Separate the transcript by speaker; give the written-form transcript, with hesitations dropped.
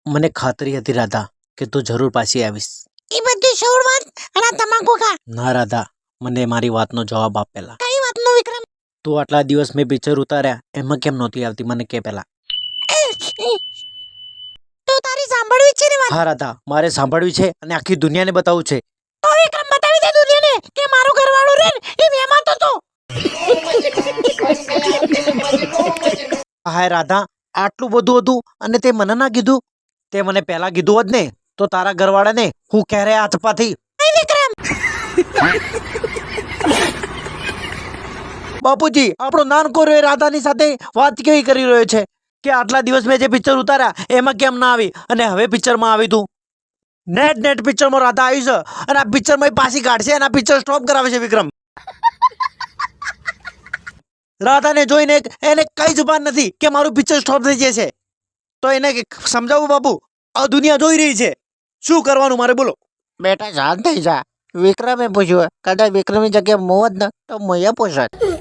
Speaker 1: મને ખાતરી હતી રાધા કે તું જરૂર પાછી આવીશ.
Speaker 2: એ બધી છોડ વાત અને આ તમાકુ ખા.
Speaker 1: ના રાધા, મને મારી વાતનો જવાબ આપ પહેલા.
Speaker 2: કઈ વાતનો વિક્રમ?
Speaker 1: તું આટલા દિવસ મેં પિક્ચર ઉતાર્યા એમાં કેમ નહોતી આવતી મને કે પહેલા.
Speaker 2: તો તારી સાંભળવી છે ને વાત?
Speaker 1: હા રાધા, મારે સાંભળવી છે અને આખી દુનિયાને બતાવવું છે.
Speaker 2: તો વિક્રમ બતાવી દે દુનિયાને કે મારો ઘરવાળો રે એ મહેમાન તો
Speaker 1: હાય રાધા, આટલું બધું હતું અને તે મને ના કીધું. તે મને પહેલા કીધું હોત ને તો તારા ઘરવાળાને હું ક્યારે હાથપાથી.
Speaker 2: વિક્રમ.
Speaker 1: બાપુજી, આપણો નાનકો રે રાધાની સાથે વાત કેવી કરી રહ્યો છે કે આટલા દિવસ મેં જે પિક્ચર ઉતાર્યા એમાં કેમ ના આવી અને હવે પિક્ચરમાં આવી તું. નેટ પિક્ચરમાં રાધા આવી છે અને આ પિક્ચરમાં પાછી કાઢશે અને આ પિક્ચર સ્ટોપ કરાવે છે વિક્રમ. રાધાને જોઈને એને કઈ જુબાન નથી કે મારું પિક્ચર સ્ટોપ થઈ જશે. તો એને સમજાવું બાપુ, આ દુનિયા જોઈ રહી છે, શું કરવાનું મારે બોલો.
Speaker 2: બેટા શાંત થઈ જા. વિક્રમે પૂછ્યું, કદાચ વિક્રમની જગ્યાએ મોહ જ ન તો મોયા પૂછત.